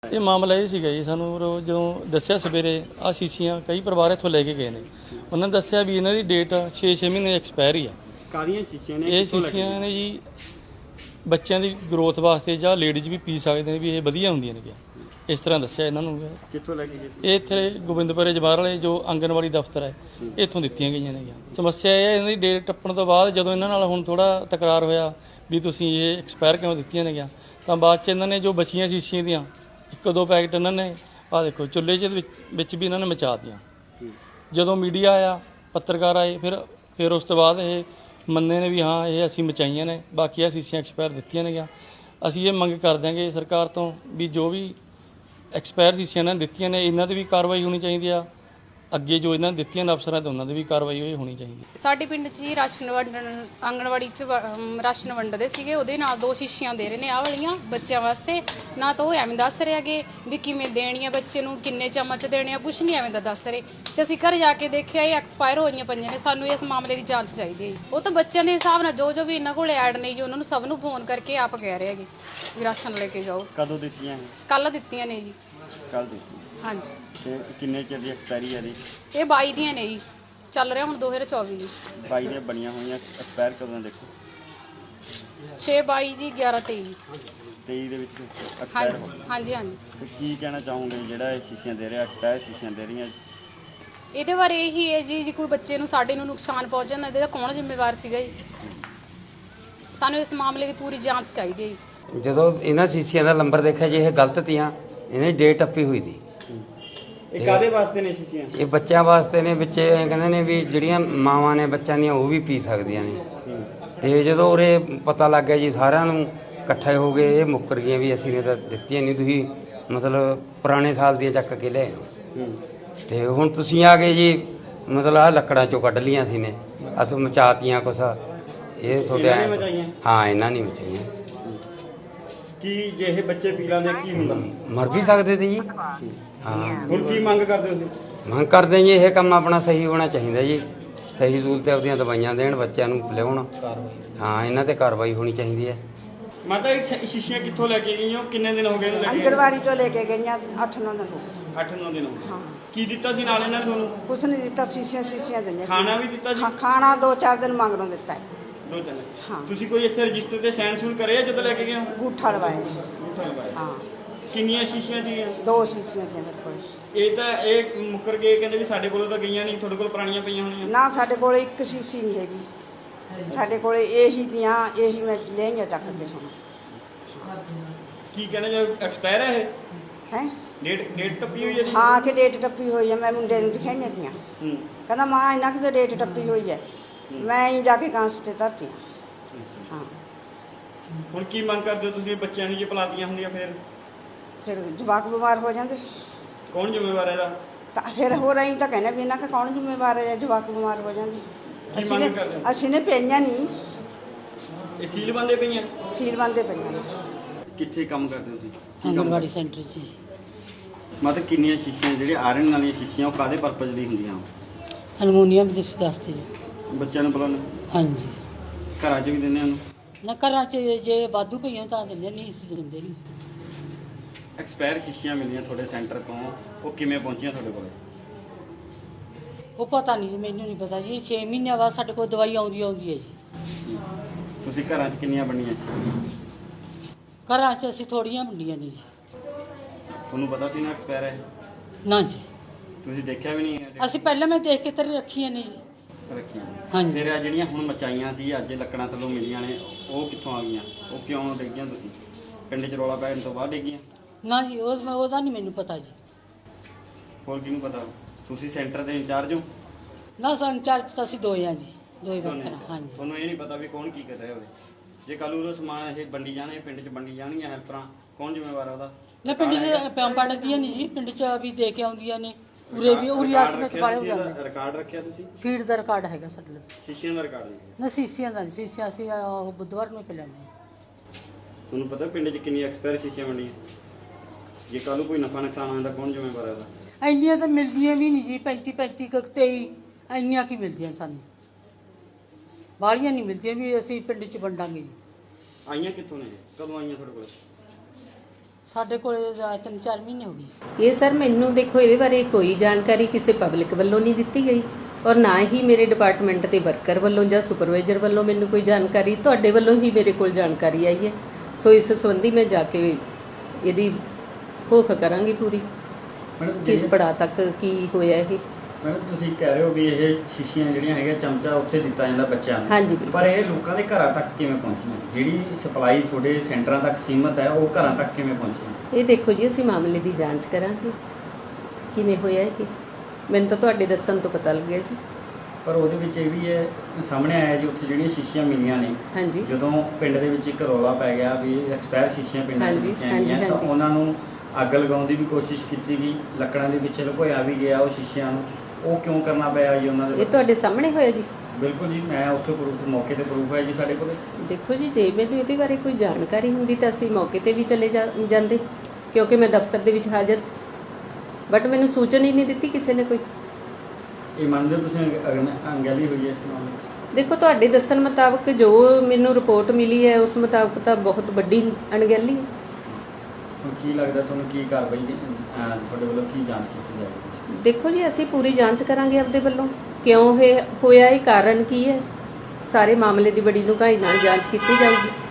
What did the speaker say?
ਇਹ ਮਾਮਲਾ ਇਹ ਸੀਗਾ ਜੀ, ਸਾਨੂੰ ਜਦੋਂ ਦੱਸਿਆ ਸਵੇਰੇ ਆ ਸ਼ੀਸ਼ੀਆਂ ਕਈ ਪਰਿਵਾਰ ਇੱਥੋਂ ਲੈ ਕੇ ਗਏ ਨੇ। ਉਹਨਾਂ ਨੇ ਦੱਸਿਆ ਵੀ ਇਹਨਾਂ ਦੀ ਡੇਟ 6-6 ਮਹੀਨੇ ਐਕਸਪਾਇਰੀ ਆ। ਕਾਹਦੀਆਂ ਸ਼ੀਸ਼ੀਆਂ ਨੇ? ਇਹ ਸ਼ੀਸ਼ੀਆਂ ਨੇ ਜੀ ਬੱਚਿਆਂ ਦੀ ਗਰੋਥ ਵਾਸਤੇ ਜਾਂ ਲੇਡੀਜ਼ ਵੀ ਪੀ ਸਕਦੇ ਨੇ, ਵੀ ਇਹ ਵਧੀਆ ਹੁੰਦੀਆਂ ਨੇ। ਇਸ ਤਰ੍ਹਾਂ ਦੱਸਿਆ ਇਹਨਾਂ ਨੂੰ। ਕਿੱਥੋਂ ਲੈ ਕੇ ਗਏ? ਇਹ ਇੱਥੇ ਗੋਬਿੰਦਪੁਰੇ ਜਵਾਹਰ ਵਾਲੇ ਜੋ ਆਂਗਨਵਾੜੀ ਦਫ਼ਤਰ ਹੈ ਇੱਥੋਂ ਦਿੱਤੀਆਂ ਗਈਆਂ ਨੇ। ਸਮੱਸਿਆ ਇਹ ਹੈ ਇਹਨਾਂ ਦੀ ਡੇਟ ਟੱਪਣ ਤੋਂ ਬਾਅਦ ਜਦੋਂ ਇਹਨਾਂ ਨਾਲ ਹੁਣ ਥੋੜਾ ਤਕਰਾਰ ਹੋਇਆ ਵੀ ਤੁਸੀਂ ਇਹ ਐਕਸਪਾਇਰ ਕਿਉਂ ਦਿੱਤੀਆਂ ਨੇ, ਤਾਂ ਬਾਅਦ 'ਚ ਇਹਨਾਂ ਨੇ ਜੋ ਬਚੀਆਂ ਸ਼ੀਸ਼ੀਆਂ ਦੀਆਂ 1-2 ਪੈਕਟ ਇਹਨਾਂ ਨੇ ਆਹ ਦੇਖੋ ਚੁੱਲ੍ਹੇ 'ਚ ਵਿੱਚ ਵੀ ਇਹਨਾਂ ਨੇ ਮਚਾ ਦਿੱਤੀਆਂ। ਜਦੋਂ ਮੀਡੀਆ ਆਇਆ, ਪੱਤਰਕਾਰ ਆਏ, ਫਿਰ ਉਸ ਤੋਂ ਬਾਅਦ ਇਹ ਮੰਨੇ ਨੇ ਵੀ ਹਾਂ ਇਹ ਅਸੀਂ ਮਚਾਈਆਂ ਨੇ, ਬਾਕੀ ਇਹ ਸ਼ੀਸ਼ੀਆਂ ਐਕਸਪਾਇਰ ਦਿੱਤੀਆਂ ਨੇ। ਅਸੀਂ ਇਹ ਮੰਗ ਕਰ ਦਿਆਂਗੇ ਸਰਕਾਰ ਤੋਂ ਵੀ ਜੋ ਵੀ ਐਕਸਪਾਇਰ ਸ਼ੀਸ਼ੀਆਂ ਇਹਨਾਂ ਨੇ ਦਿੱਤੀਆਂ ਨੇ ਇਹਨਾਂ 'ਤੇ ਵੀ ਕਾਰਵਾਈ ਹੋਣੀ ਚਾਹੀਦੀ ਆ। ਅੱਗੇ ਜੋ ਇਹਨਾਂ ਨੇ ਦਿੱਤੀਆਂ ਨੇ ਅਫਸਰਾਂ 'ਤੇ ਉਹਨਾਂ 'ਤੇ ਵੀ ਕਾਰਵਾਈ ਹੋਣੀ ਚਾਹੀਦੀ। ਸਾਡੇ ਪਿੰਡ 'ਚ ਹੀ ਰਾਸ਼ਨ ਵੰਡਣ ਆਂਗਣਵਾੜੀ 'ਚ ਰਾਸ਼ਨ ਵੰਡਦੇ ਸੀਗੇ, ਉਹਦੇ ਨਾਲ 2 ਸ਼ੀਸ਼ੀਆਂ ਦੇ ਰਹੇ ਨੇ ਆਹ ਵਾਲੀਆਂ ਬੱਚਿਆਂ ਵਾਸਤੇ। ਨਾ ਤਾਂ ਉਹ ਐਵੇਂ ਦੱਸ ਰਹੇ ਹੈਗੇ ਵੀ ਕਿਵੇਂ ਦੇਣੀ ਆ ਬੱਚੇ ਨੂੰ, ਕਿੰਨੇ ਚਮਚ ਦੇਣੇ ਆ, ਕੁਛ ਨਹੀਂ ਐਵੇਂ ਦਾ ਦੱਸ ਰਹੇ। ਤੇ ਅਸੀਂ ਘਰ ਜਾ ਕੇ ਦੇਖਿਆ ਇਹ ਐਕਸਪਾਇਰ ਹੋਈਆਂ ਪਈਆਂ ਨੇ। ਸਾਨੂੰ ਇਸ ਮਾਮਲੇ ਦੀ ਜਾਂਚ ਚਾਹੀਦੀ ਹੈ। ਉਹ ਤਾਂ ਬੱਚਿਆਂ ਦੇ ਹਿਸਾਬ ਨਾਲ ਜੋ ਵੀ ਇਹਨਾਂ ਕੋਲ ਐਡ ਨਹੀਂ ਜੀ ਉਹਨਾਂ ਨੂੰ ਸਭ ਨੂੰ ਫੋਨ ਕਰਕੇ ਆਪ ਕਹਿ ਰਹੇ ਹੈਗੇ ਵੀ ਰਾਸ਼ਨ ਲੈ ਕੇ ਜਾਓ। ਕਦੋਂ ਦਿੱਤੀਆਂ? ਕੱਲ ਦਿੱਤੀਆਂ ਨੇ ਜੀ। ਕੱਲ ਦਿੱਤੀਆਂ? ਹਾਂਜੀ। ਤੇ ਕਿੰਨੇ ਚਿਰ ਦੀ ਐਕਸਪਾਇਰੀ ਹੈ ਦੀ? ਇਹ 22 ਦੀਆਂ ਨੇ ਜੀ, ਚੱਲ ਰਿਹਾ ਹੁਣ 2024 ਜੀ। 22 ਦੀਆਂ ਬਣੀਆਂ ਹੋਈਆਂ, ਐਕਸਪਾਇਰ ਕਦੋਂ ਨੇ ਦੇਖੋ? 6/22 ਜੀ, 11/23 23 ਦੇ ਵਿੱਚ ਐਕਸਪਾਇਰ ਹੋ ਹਾਂਜੀ ਹਾਂਜੀ ਹਾਂਜੀ। ਤੇ ਕੀ ਕਹਿਣਾ ਚਾਹੋਗੇ ਜਿਹੜਾ ਇਹ ਸ਼ੀਸ਼ੀਆਂ ਦੇ ਰਿਹਾ, ਐਕਸਪਾਇਰ ਸ਼ੀਸ਼ੀਆਂ ਦੇ ਰਹੀਆਂ? ਇਹਦੇ ਬਾਰੇ ਇਹੀ ਹੈ ਜੀ, ਜੇ ਕੋਈ ਬੱਚੇ ਨੂੰ ਸਾਡੇ ਨੂੰ ਨੁਕਸਾਨ ਪਹੁੰਚ ਜਾਂਦਾ ਇਹਦਾ ਕੌਣ ਜ਼ਿੰਮੇਵਾਰ ਸੀਗਾ ਜੀ? ਸਾਨੂੰ ਇਸ ਮਾਮਲੇ ਦੀ ਪੂਰੀ ਜਾਂਚ ਚਾਹੀਦੀ ਹੈ ਜੀ। ਜਦੋਂ ਇਹਨਾਂ ਸ਼ੀਸ਼ੀਆਂ ਦਾ ਨੰਬਰ ਦੇਖਿਆ ਜੀ ਇਹ ਗਲਤ ਤੀਆਂ, ਇਹਨੇ ਡੇਟ ਟੱਪੀ ਹੋਈ ਦੀ। ਇਹ ਕਾਦੇ ਵਾਸਤੇ ਨੇ ਸ਼ੀਸ਼ੀਆਂ? ਇਹ ਬੱਚਿਆਂ ਵਾਸਤੇ ਨੇ। ਬੱਚੇ ਐਂ ਕਹਿੰਦੇ ਨੇ ਵੀ ਜਿਹੜੀਆਂ ਮਾਵਾਂ ਨੇ ਬੱਚਿਆਂ ਦੀਆਂ ਉਹ ਵੀ ਪੀ ਸਕਦੀਆਂ ਨੇ। ਤੇ ਜਦੋਂ ਉਰੇ ਪਤਾ ਲੱਗ ਗਿਆ ਜੀ ਸਾਰਿਆਂ ਨੂੰ ਇਕੱਠੇ ਹੋ ਗਏ, ਇਹ ਮੁੱਕਰ ਗਈਆਂ ਵੀ ਅਸੀਂ ਨੇ ਤਾਂ ਦਿੱਤੀਆਂ ਨਹੀਂ, ਤੁਸੀਂ ਮਤਲਬ ਪੁਰਾਣੇ ਸਾਲ ਦੀਆਂ ਚੱਕ ਕੇ ਲਿਆਏ ਹੋ। ਤੇ ਹੁਣ ਤੁਸੀਂ ਆ ਗਏ ਜੀ, ਮਤਲਬ ਆਹ ਲੱਕੜਾਂ ਚੋਂ ਕੱਢ ਲੀਆਂ ਸੀ ਨੇ, ਅਸੀਂ ਮਚਾਤੀਆਂ ਕੁਛ। ਇਹ ਤੁਹਾਡੇ ਹਾਂ ਇਹਨਾਂ ਨਹੀਂ ਮਚਾਈਆਂ। ਕੀ ਜੇ ਇਹ ਬੱਚੇ ਪੀ ਲੈਂਦੇ ਕੀ ਹੁੰਦਾ? ਮਰ ਵੀ ਸਕਦੇ ਤੇ ਜੀ। ਹਾਂ ਹੁਣ ਕੀ ਮੰਗ ਕਰਦੇ ਹੋ ਤੁਸੀਂ? ਮੰਗ ਕਰਦੇ ਜੀ ਇਹ ਕੰਮ ਆਪਣਾ ਸਹੀ ਹੋਣਾ ਚਾਹੀਦਾ ਜੀ। ਸਹੀ ਸਹੂਲਤ ਤੇ ਆਪਦੀਆਂ ਦਵਾਈਆਂ ਦੇਣ, ਬੱਚਿਆਂ ਨੂੰ ਲਿਆਉਣ। ਹਾਂ ਇਹਨਾਂ ਤੇ ਕਾਰਵਾਈ ਹੋਣੀ ਚਾਹੀਦੀ ਹੈ। ਮਾਤਾ ਇਹ ਸ਼ੀਸ਼ੀਆਂ ਕਿੱਥੋਂ ਲੈ ਕੇ ਗਈਆਂ? ਕਿੰਨੇ ਦਿਨ ਹੋ ਗਏ ਇਹਨੂੰ ਲੈ ਕੇ? ਆਂਗਣਵਾੜੀ ਤੋਂ ਲੈ ਕੇ ਗਈਆਂ 8-9 ਦਿਨ ਹੋ ਗਏ। 8-9 ਦਿਨ ਹੋ ਗਏ। ਹਾਂ। ਕੀ ਦਿੱਤਾ ਸੀ ਨਾਲ ਇਹਨਾਂ ਨੇ ਤੁਹਾਨੂੰ? ਕੁਛ ਨਹੀਂ ਦਿੱਤਾ, ਸ਼ੀਸ਼ੀਆਂ ਦਿੰਦੇ। ਖਾਣਾ ਵੀ ਦਿੱਤਾ ਜੀ? ਖਾਣਾ 2-4 ਦਿਨ ਮੰਗਣੋਂ ਦਿੱਤਾ ਹੈ। 2-3? ਹਾਂ। ਤੁਸੀਂ ਕੋਈ ਇੱਥੇ ਰਜਿਸਟਰ ਤੇ ਸਾਈਨ ਸੂਨ ਕਰੇ ਆ ਜਦੋਂ ਲੈ ਕੇ ਗਏ ਹੋ? ਅੰਗੂਠਾ ਲਵਾਇਆ। ਅੰਗੂਠਾ ਲਗਾਇਆ। ਹਾਂ। ਕਿੰਨੀਆਂ ਸ਼ੀਸ਼ੀਆਂ ਸੀਗੀਆਂ? 2 ਸ਼ੀਸ਼ੀਆਂ ਦੀਆਂ ਮੇਰੇ ਕੋਲ। ਇਹ ਤਾਂ ਇਹ ਮੁੱਕਰ ਗਏ, ਕਹਿੰਦੇ ਵੀ ਸਾਡੇ ਕੋਲੋਂ ਤਾਂ ਗਈਆਂ ਨਹੀਂ, ਤੁਹਾਡੇ ਕੋਲ ਪੁਰਾਣੀਆਂ ਪਈਆਂ ਹੋਣੀਆਂ। ਨਾ ਸਾਡੇ ਕੋਲ ਇੱਕ ਸ਼ੀਸ਼ੀ ਨਹੀਂ ਹੈਗੀ, ਸਾਡੇ ਕੋਲ ਇਹੀ ਦੀਆਂ, ਇਹੀ ਮੈਂ ਲੈਂਗਾ ਚੱਕ ਕੇ। ਹੁਣ ਕੀ ਕਹਿੰਦੇ ਜੇ ਐਕਸਪਾਇਰ ਹੈ ਇਹ? ਹੈ ਡੇਟ ਟੱਪੀ ਹੋਈ ਹੈ ਜੀ? ਹਾਂ ਕਿ ਡੇਟ ਟੱਪੀ ਹੋਈ ਹੈ। ਮੈਂ ਮੁੰਡੇ ਨੂੰ ਦਿਖਾਈਆਂ ਤੀਆਂ, ਕਹਿੰਦਾ ਮਾਂ ਇਹਨਾਂ ਕਿ ਡੇਟ ਟੱਪੀ ਹੋਈ ਹੈ। ਮੈਂ ਹੀ ਜਾ ਕੇ ਕਾਂਸ ਤੇ ਧਰਤੀ। ਹਾਂ। ਹੁਣ ਕੀ ਮੰਗ ਕਰਦੇ ਹੋ ਤੁਸੀਂ? ਬੱਚਿਆਂ ਨੂੰ ਜੇ ਪਿਲਾਤੀਆਂ ਹੁੰਦੀਆਂ ਫਿਰ ਜਵਾਕ ਬਿਮਾਰ ਹੋ ਜਾਂਦੇ, ਕੌਣ ਜ਼ਿੰਮੇਵਾਰ ਹੈ ਇਹਦਾ? ਤਾਂ ਫਿਰ ਹੋ ਰਹੀ ਤਾਂ ਕਹਿੰਦੇ ਵੀ ਇਹਨਾਂ ਦਾ ਕੌਣ ਜ਼ਿੰਮੇਵਾਰ ਹੈ? ਜਵਾਕ ਬਿਮਾਰ ਹੋ ਜਾਂਦੇ। ਕੀ ਮੰਗ ਕਰਦੇ ਹੋ? ਅਸੀਂ ਨੇ ਪਈਆਂ ਨਹੀਂ, ਇਹ ਸੀਲ ਬੰਦੇ ਪਈਆਂ? ਸੀਲ ਬੰਦੇ ਪਈਆਂ ਨੇ। ਕਿੱਥੇ ਕੰਮ ਕਰਦੇ ਹੋ ਤੁਸੀਂ? ਆਂਗਣਵਾੜੀ ਸੈਂਟਰ 'ਚ। ਮਤਲਬ ਕਿੰਨੀਆਂ ਸ਼ੀਸ਼ੀਆਂ ਜਿਹੜੀਆਂ ਆਇਰਨ ਵਾਲੀਆਂ ਸ਼ੀਸ਼ੀਆਂ ਉਹ ਕਾਦੇ ਪਰਪਸ ਲਈ ਹੁੰਦੀਆਂ? ਅਲਮੋਨੀਅਮ ਦੇ ਵਾਸਤੇ ਜੀ। ਬੱਚਿਆਂ ਨੂੰ ਪਿਲਾਉਣ? ਹਾਂਜੀ। ਘਰਾਂ 'ਚ ਵੀ ਦਿੰਦੇ ਉਹਨੂੰ? ਨਾ ਘਰਾਂ 'ਚ ਜੇ ਵਾਧੂ ਪਈਆਂ ਤਾਂ ਦਿੰਦੇ, ਨਹੀਂ ਅਸੀਂ ਦਿੰਦੇ ਨਹੀਂ। ਐਕਸਪਾਇਰ ਸ਼ੀਸ਼ੀਆਂ ਮਿਲੀਆਂ ਤੁਹਾਡੇ ਸੈਂਟਰ ਤੋਂ, ਉਹ ਕਿਵੇਂ ਪਹੁੰਚੀਆਂ ਤੁਹਾਡੇ ਕੋਲ? ਉਹ ਪਤਾ ਨਹੀਂ ਜੀ, ਮੈਨੂੰ ਨਹੀਂ ਪਤਾ ਜੀ। 6 ਮਹੀਨਿਆਂ ਬਾਅਦ ਸਾਡੇ ਕੋਲ ਦਵਾਈ ਆਉਂਦੀ ਹੈ ਜੀ। ਤੁਸੀਂ ਘਰਾਂ 'ਚ ਕਿੰਨੀਆਂ ਬਣੀਆਂ? ਘਰਾਂ 'ਚ ਅਸੀਂ ਥੋੜੀਆਂ ਵੰਡੀਆਂ ਨੇ ਜੀ। ਤੁਹਾਨੂੰ ਪਤਾ ਸੀ ਨਾ ਐਕਸਪਾਇਰ ਹੈ? ਨਾ ਜੀ, ਤੁਸੀਂ ਦੇਖਿਆ ਵੀ ਨਹੀਂ? ਅਸੀਂ ਪਹਿਲਾਂ ਮੈਂ ਦੇਖ ਕੇ ਤੇਰੇ ਰੱਖੀਆਂ ਨੇ ਜੀ। ਰੱਖੀਆਂ? ਹਾਂਜੀ। ਫਿਰ ਇਹ ਜਿਹੜੀਆਂ ਹੁਣ ਮਚਾਈਆਂ ਸੀ ਅੱਜ ਲੱਕੜਾਂ ਥੱਲੋਂ ਮਿਲੀਆਂ ਨੇ, ਉਹ ਕਿੱਥੋਂ ਆ ਗਈਆਂ? ਉਹ ਕਿਉਂ ਡਿੱਗੀਆਂ? ਤੁਸੀਂ ਪਿੰਡ 'ਚ ਰੌਲਾ ਪੈਣ ਤੋਂ ਬਾਅਦ ਡਿੱਗੀਆਂ? ਨਾ ਜੀ, ਉਹਦਾ ਨਹੀਂ ਮੈਨੂੰ ਪਤਾ ਜੀ। ਹੋਰ ਕਿਹਨੂੰ ਪਤਾ? ਤੁਸੀਂ ਸੈਂਟਰ ਦੇ ਇੰਚਾਰਜ ਹੋ? ਨਾ ਸੰਚਾਰਜ ਤਾਂ ਅਸੀਂ 2 ਆ ਜੀ, 2 ਹੀ ਵਰਕਰ। ਹਾਂਜੀ। ਤੁਹਾਨੂੰ ਇਹ ਨਹੀਂ ਪਤਾ ਵੀ ਕੌਣ ਕੀ ਕਰ ਰਿਹਾ ਹੋਵੇ? ਜੇ ਕੱਲ ਨੂੰ ਉਹ ਸਮਾਨ ਇਹ ਵੰਡੀ ਜਾਣੇ, ਪਿੰਡ 'ਚ ਵੰਡੀ ਜਾਣਗੀਆਂ ਹੈਲਪਰਾਂ, ਕੌਣ ਜ਼ਿੰਮੇਵਾਰ ਆ ਉਹਦਾ? ਨਾ ਪਿੰਡ 'ਚ ਪੜ੍ਹਦੀਆਂ ਨਹੀਂ ਜੀ, ਪਿੰਡ 'ਚ ਵੀ ਦੇ ਕੇ ਆਉਂਦੀਆਂ ਨੇ। ਉਰੇ ਵੀ ਉਰੀਆਸ ਵਿੱਚ ਵਾਲੇ ਹੋ ਜਾਂਦੇ। ਰਿਕਾਰਡ ਰੱਖਿਆ ਤੁਸੀਂ? ਫੀਡ ਦਾ ਰਿਕਾਰਡ ਹੈਗਾ ਸਾਡੇ ਕੋਲ। ਸ਼ੀਸ਼ਿਆਂ ਦਾ ਰਿਕਾਰਡ ਨਹੀਂ? ਨਾ ਸ਼ੀਸ਼ਿਆਂ ਦਾ ਨਹੀਂ, ਸ਼ੀਸ਼ਿਆਂ ਅਸੀਂ ਉਹ ਬੁੱਧਵਾਰ ਨੂੰ ਪਿਲਾਉਂਦੇ ਹਾਂ। ਤੁਹਾਨੂੰ ਪਤਾ ਪਿੰਡ 'ਚ ਕਿੰਨੀ ਐਕਸਪਾਇਰ ਸ਼ੀਸ਼ੀਆਂ ਵੰਡੀਆਂ? ਜੇ ਕੱਲ ਨੂੰ ਕੋਈ ਨਫਾ ਨੁਕਸਾਨ ਆਉਂਦਾ ਕੌਣ ਜ਼ਿੰਮੇਵਾਰ ਹੈ ਉਹਦਾ? ਇੰਨੀਆਂ ਤਾਂ ਮਿਲਦੀਆਂ ਵੀ ਨਹੀਂ ਜੀ, 35 23 ਇੰਨੀਆਂ ਕੀ ਮਿਲਦੀਆਂ ਸਾਨੂੰ, ਬਾਹਲੀਆਂ ਨਹੀਂ ਮਿਲਦੀਆਂ ਵੀ ਅਸੀਂ ਪਿੰਡ 'ਚ ਵੰਡਾਂਗੇ ਜੀ। ਆਈਆਂ ਕਿੱਥੋਂ ਨੇ? ਕਦੋਂ ਆਈਆਂ ਤੁਹਾਡੇ ਕੋਲ? ਸਾਡੇ ਕੋਲ 3-4 ਮਹੀਨੇ ਹੋ ਗਏ। ਇਹ ਸਰ ਮੈਨੂੰ ਦੇਖੋ ਇਹਦੇ ਬਾਰੇ ਕੋਈ ਜਾਣਕਾਰੀ ਕਿਸੇ ਪਬਲਿਕ ਵੱਲੋਂ ਨਹੀਂ ਦਿੱਤੀ ਗਈ ਔਰ ਨਾ ਹੀ ਮੇਰੇ ਡਿਪਾਰਟਮੈਂਟ ਦੇ ਵਰਕਰ ਵੱਲੋਂ ਜਾਂ ਸੁਪਰਵਾਈਜ਼ਰ ਵੱਲੋਂ ਮੈਨੂੰ ਕੋਈ ਜਾਣਕਾਰੀ, ਤੁਹਾਡੇ ਵੱਲੋਂ ਹੀ ਮੇਰੇ ਕੋਲ ਜਾਣਕਾਰੀ ਆਈ ਹੈ। ਸੋ ਇਸ ਸੰਬੰਧੀ ਮੈਂ ਜਾ ਕੇ ਇਹਦੀ ਭੋਖ ਕਰਾਂਗੀ ਪੂਰੀ, ਮੈਡਮ ਕਿਸ ਪੜਾਅ ਤੱਕ ਕੀ ਹੋਇਆ ਇਹ। ਮੈਡਮ ਤੁਸੀਂ ਕਹਿ ਰਹੇ ਹੋ ਵੀ ਇਹ ਸ਼ੀਸ਼ੀਆਂ ਜਿਹੜੀਆਂ ਹੈਗੀਆਂ ਚਮਚਾ ਉੱਥੇ ਦਿੱਤਾ ਜਾਂਦਾ ਬੱਚਿਆਂ ਨੂੰ, ਹਾਂਜੀ ਬਿਲਕੁਲ। ਪਰ ਇਹ ਲੋਕਾਂ ਦੇ ਘਰਾਂ ਤੱਕ ਕਿਵੇਂ ਪਹੁੰਚੀਆਂ? ਜਿਹੜੀ ਸਪਲਾਈ ਤੁਹਾਡੇ ਸੈਂਟਰਾਂ ਤੱਕ ਸੀਮਤ ਹੈ ਉਹ ਘਰਾਂ ਤੱਕ ਕਿਵੇਂ ਪਹੁੰਚੀਆਂ? ਇਹ ਦੇਖੋ ਜੀ ਅਸੀਂ ਮਾਮਲੇ ਦੀ ਜਾਂਚ ਕਰਾਂਗੇ ਕਿਵੇਂ ਹੋਇਆ ਇਹ, ਮੈਨੂੰ ਤਾਂ ਤੁਹਾਡੇ ਦੱਸਣ ਤੋਂ ਪਤਾ ਲੱਗਿਆ ਜੀ। ਪਰ ਉਹਦੇ ਵਿੱਚ ਇਹ ਵੀ ਹੈ ਸਾਹਮਣੇ ਆਇਆ ਜੀ ਉੱਥੇ ਜਿਹੜੀਆਂ ਸ਼ੀਸ਼ੀਆਂ ਮਿਲੀਆਂ ਨੇ, ਹਾਂਜੀ ਜਦੋਂ ਪਿੰਡ ਦੇ ਵਿੱਚ ਇੱਕ ਰੌਲਾ ਪੈ ਗਿਆ ਵੀ ਐਕਸਪਾਇਰ ਸ਼ੀਸ਼ੀਆਂ ਪਿੰਡਾਂ ਹਾਂਜੀ, ਵਿੱਚ ਹਾਂਜੀ, ਆਈਆਂ ਤਾਂ ਹਾਂਜੀ। ਉਹਨਾਂ ਨੂੰ ਅੱਗ ਲਗਾਉਣ ਦੀ ਵੀ ਕੋਸ਼ਿਸ਼ ਕੀਤੀ ਗਈ, ਲੱਕੜਾਂ ਦੇ ਵਿੱਚ ਲੁਕੋਇਆ ਵੀ ਗਿਆ ਉਹ ਸ਼ੀਸ਼ਿਆਂ ਨੂੰ। ਉਹ ਕਿਉਂ ਕਰਨਾ ਪਿਆ ਜੀ ਉਹਨਾਂ ਦੇ? ਇਹ ਤੁਹਾਡੇ ਸਾਹਮਣੇ ਹੋਇਆ ਜੀ। ਬਿਲਕੁਲ ਜੀ, ਮੈਂ ਉੱਥੇ ਪ੍ਰੂਫ ਮੌਕੇ ਤੇ ਪ੍ਰੂਫ ਹੈ ਜੀ ਸਾਡੇ ਕੋਲ। ਦੇਖੋ ਜੀ ਜੇ ਮੈਨੂੰ ਇਹਦੇ ਬਾਰੇ ਕੋਈ ਜਾਣਕਾਰੀ ਹੁੰਦੀ ਤਾਂ ਅਸੀਂ ਮੌਕੇ ਤੇ ਵੀ ਚਲੇ ਜਾਂਦੇ, ਕਿਉਂਕਿ ਮੈਂ ਦਫ਼ਤਰ ਦੇ ਵਿੱਚ ਹਾਜ਼ਰ ਸੀ, ਬਟ ਮੈਨੂੰ ਸੂਚਨਾ ਹੀ ਨਹੀਂ ਦਿੱਤੀ ਕਿਸੇ ਨੇ ਕੋਈ। ਇਹ ਮੰਨਦੇ ਹੋ ਤੁਸੀਂ ਅੰਗੈਲੀ ਹੋਈ ਹੈ ਇਸ ਮਾਮਲੇ ਵਿੱਚ? ਦੇਖੋ ਤੁਹਾਡੇ ਦੱਸਣ ਮੁਤਾਬਕ ਜੋ ਮੈਨੂੰ ਰਿਪੋਰਟ ਮਿਲੀ ਹੈ ਉਸ ਮੁਤਾਬਕ ਤਾਂ ਬਹੁਤ ਵੱਡੀ ਅਣਗਹਿਲੀ ਹੈ। ਹੁਣ ਕੀ ਲੱਗਦਾ ਤੁਹਾਨੂੰ, ਕੀ ਕਾਰਵਾਈ ਤੁਹਾਡੇ ਵੱਲੋਂ ਕੀ ਜਾਂਚ ਕੀਤੀ ਜਾਵੇਗੀ? ਦੇਖੋ ਜੀ ਅਸੀਂ ਪੂਰੀ ਜਾਂਚ ਕਰਾਂਗੇ ਆਪਦੇ ਵੱਲੋਂ, ਕਿਉਂ ਇਹ ਹੋਇਆ, ਇਹ ਕਾਰਨ ਕੀ ਹੈ, ਸਾਰੇ ਮਾਮਲੇ ਦੀ ਬੜੀ ਡੂੰਘਾਈ ਨਾਲ ਜਾਂਚ ਕੀਤੀ ਜਾਊਗੀ।